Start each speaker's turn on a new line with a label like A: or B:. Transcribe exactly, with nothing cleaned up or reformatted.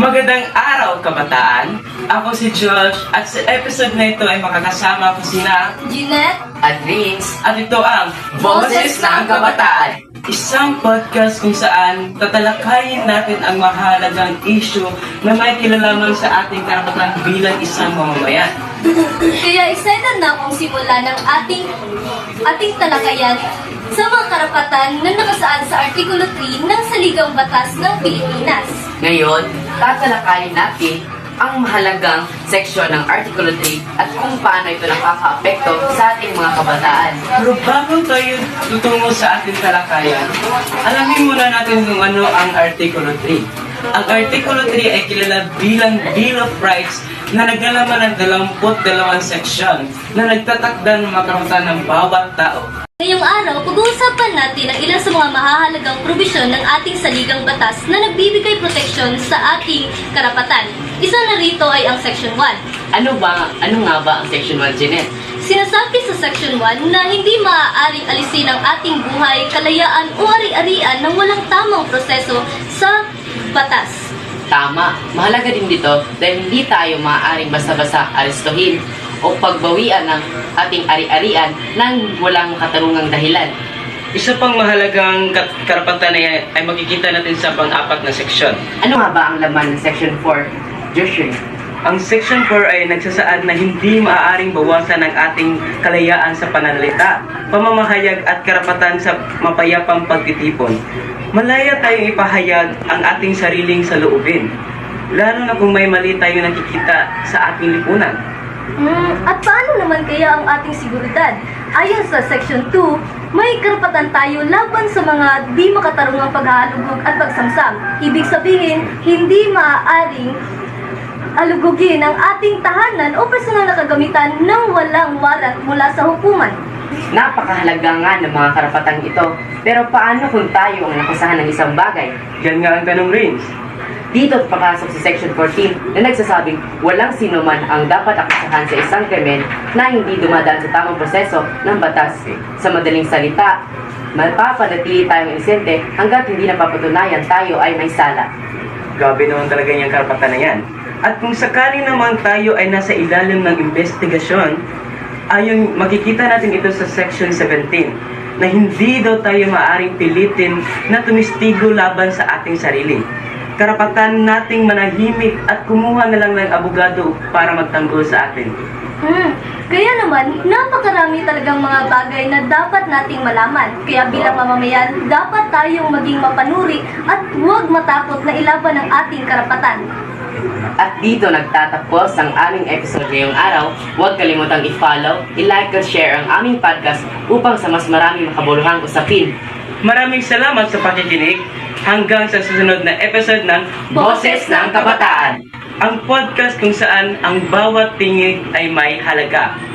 A: Magandang araw, kabataan! Ako si Josh at sa episode na ito ay makakasama ko sina
B: Jeanette
A: at Vince at ito ang Boses ng Kabataan, isang podcast kung saan tatalakayin natin ang mahalagang issue na may kilalaman sa ating karapatan bilang isang mamamayan.
B: Kaya excited na akong simula ng ating ating talakayan sa mga karapatan na nakasaad sa Artikulo three ng Saligang Batas ng Pilipinas.
C: Ngayon, tatalakayin natin ang mahalagang seksyon ng Artikulo three at kung paano ito nakaka-apekto sa ating mga kabataan.
A: Pero bago tayo tutungo sa ating talakayan, alamin muna natin kung ano ang Artikulo three. Ang Artikulo three ay kilala bilang Bill of Rights na naglalaman ng dalawamput dalawang seksyon na nagtatakda ng mga karapatan ng bawat tao.
B: Ngayong araw, pag-uusapan natin ang ilan sa mga mahahalagang probisyon ng ating saligang batas na nagbibigay proteksyon sa ating karapatan. Isa na rito ay ang Section one.
C: Ano ba, ano nga ba ang Section one, Jeanette?
B: Sinasabi sa Section one na hindi maaaring alisin ang ating buhay, kalayaan o ari-arian ng walang tamang proseso sa batas.
C: Tama, mahalaga din dito dahil hindi tayo maaaring basta-basta arestuhin o pagbawian ng ating ari-arian nang walang katarungang dahilan.
A: Isa pang mahalagang kat- karapatan na yan ay makikita natin sa pang-apat na seksyon.
C: Ano nga ba ang laman ng Section four, Joshua?
A: Ang Section four ay nagsasaad na hindi maaaring bawasan ang ating kalayaan sa pananalita, pamamahayag at karapatan sa mapayapang pagtitipon. Malaya tayong ipahayag ang ating sariling saloobin, lalo na kung may mali tayo nakikita sa ating lipunan.
B: Hmm, at paano naman kaya ang ating seguridad? Ayon sa Section two, may karapatan tayo laban sa mga di makatarungang paghahalugog at pagsamsam. Ibig sabihin, hindi maaaring alugugin ang ating tahanan o personal na kagamitan ng walang warat mula sa hukuman.
C: Napakahalaga nga ng mga karapatang ito. Pero paano kung tayo ang nakusahan ng isang bagay?
A: Yan nga ang tanong, Rins.
C: Dito papasok sa Section fourteen na nagsasabing walang sino man ang dapat akusahan sa isang krimen na hindi dumadaan sa tamang proseso ng batas. Sa madaling salita, mapapanatili tayong inosente hanggat hindi napapatunayan tayo ay may sala.
A: Grabe naman talaga yung karapatan na yan. At kung sakali naman tayo ay nasa ilalim ng investigasyon, ayon makikita natin ito sa Section seventeen na hindi daw tayo maaring pilitin na tumistigo laban sa ating sarili. Karapatan nating manahimik at kumuha na lang ng abogado para magtanggol sa atin.
B: Hmm, kaya naman, napakarami talagang mga bagay na dapat nating malaman. Kaya bilang mamamayan, dapat tayong maging mapanuri at huwag matakot na ilaban ang ating karapatan.
C: At dito nagtatapos ang aming episode ngayong araw. Huwag kalimutang i-follow, i-like at share ang aming podcast upang sa mas maraming makabuluhang usapin.
A: Maraming salamat sa pakikinig. Hanggang sa susunod na episode ng
C: Boses ng Kabataan.
A: ang podcast kung saan ang bawat tingin ay may halaga.